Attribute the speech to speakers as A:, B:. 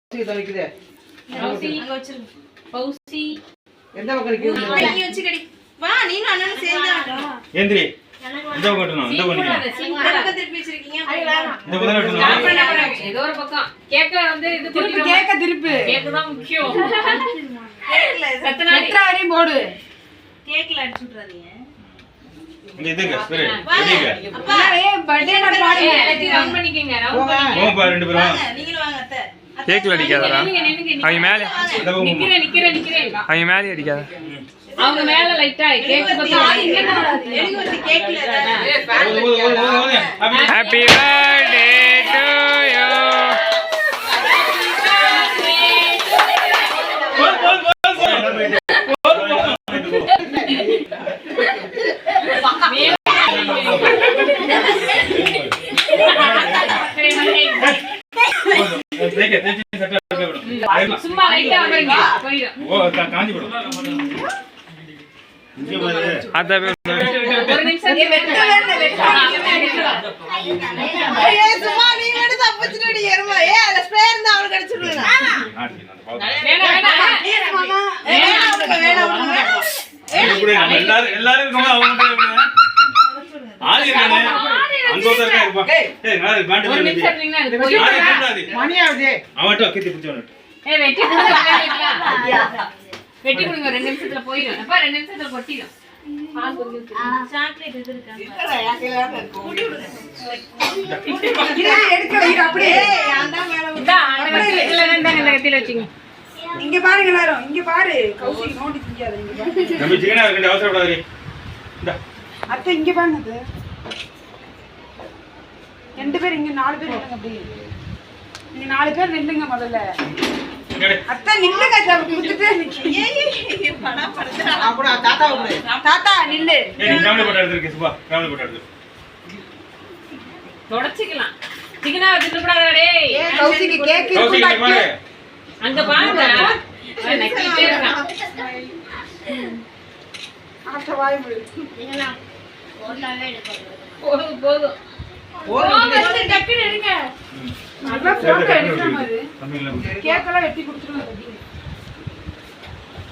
A: தவிக்குதே
B: பௌசி அங்க வச்சிருங்க. பௌசி
A: எந்த பக்கம் நிக்குது?
B: நீ வச்சுக்கடி. வா நீனும் அண்ணனும் சேர்ந்து
C: ஏந்திரி. இந்த பக்கம் வரணும். இந்த பக்கம் நிக்கணும்.
B: பக்கம் திருப்பி வச்சிருக்கீங்க.
C: இந்த பக்கம் வரணும்.
D: ஏதோ ஒரு பக்கம் கேக்க வந்து இது
E: திருப்பி கேக்க திருப்பி
D: கேக்கு தான் முக்கியம்.
B: கேக்கல
D: சத்தனாடி
E: எட்ரா வரையும் போடு.
B: கேக்கல அடிச்சு விட்டுறாதீங்க.
C: இங்க இதுங்க ஸ்பிரே. இதுங்க.
B: அப்பா
E: ஏய் பர்த்டே நான் பாடுங்க.
D: எல்லாத்தையும் ரவுண்ட் பண்ணிக்கங்க. ரவுண்ட் பண்ணி
C: போங்க பா ரெண்டு பேரும்.
B: வாங்க நீங்களும் வாங்க அத்தை.
F: கேக்ல அடிக்காதடா. அவங்க மேல
C: இந்த பக்கம் போங்க.
D: நிக்கிறேன்.
F: அவங்க மேலே அடிக்காத.
D: அவங்க மேல லைட்டா கேக் பக்கம்
B: எனக்கு வந்து கேக்கல
C: ஓடுங்க.
F: Happy birthday to you.
D: சும்மா லைட்டா வரீங்க போயிடும்.
C: ஓ காஞ்சி போடு. இங்க பாரு.
F: அத
D: ஒரு நிமிஷம்
B: ஏய் சும்மா நீ மட்டும் தப்பிச்சிட்டு ஏறுமா. ஏய் அந்த ஸ்ப்ரே இருந்தா அவளுக்கு அடிச்சு விடுங்க.
D: வேணாம்.
C: எல்லாரும் இருக்கோம் அவங்க ஆளு இருக்கானே அங்க ஒருத்தர் இருப்பா. ஏய் நான் பாண்டி
D: ஒரு நிமிஷம் இருந்தீங்கன்னா அது போயிடும்.
A: மணி ஆகுது.
C: அவன்ட்ட கீத்தி பிடிச்சவன.
D: ஏய் வெட்டி கொடுங்க. வெட்டி கொடுங்க 2 நிமிஷத்துல போயிடும். அப்பா 2 நிமிஷத்துல கொட்டிடும்.
B: சாக்லேட் இது இருக்கா?
E: எடுக்க வைங்க அப்படியே.
B: ஏய் அந்த மேல
D: இந்தா இந்த கத்தில வச்சிங்க.
E: இங்க பாருங்க எல்லாரும். இங்க பாரு. கௌசி நோண்டி திங்காத இங்க பாரு.
C: நம்ம ஜீனா இருக்க அவசரப்படாதீ. இந்த
E: அத்தை இங்க பாருங்க அத்தை. 2 பேர் இங்க 4 பேர் நில்லுங்க அப்படியே. நீங்க 4 பேர் நில்லுங்க முதல்ல. அத்தை நில்லுங்க அத்தை குடுத்துட்டு
B: ஏய் பணா படுத்துறா.
A: அப்படி தாத்தா விடு.
E: தாத்தா நில்லு.
C: ஏய் நீ ஃபேமிலி போட்டோ எடுத்துக்க சுபா. ஃபேமிலி போட்டோ எடுத்து.
D: தொடச்சிக்கலாம். சிக்கனா தின்னு கூடாதடா டேய்.
E: ஏய் கௌசிக்கு கேக்
C: கௌசி இங்க பாரு.
D: அங்க பாருங்க. நக்கிட்டே இருக்கான்.
E: ஆட்ட வாய் மூடு.
D: போதும் போதும். வந்து டக்குன்னு எடுங்க.
E: நல்லா போட்டோ எடுக்கற மாதிரி.
C: தமிழ்ல
E: கேக் எல்லாம் வெட்டி கொடுத்துருங்க.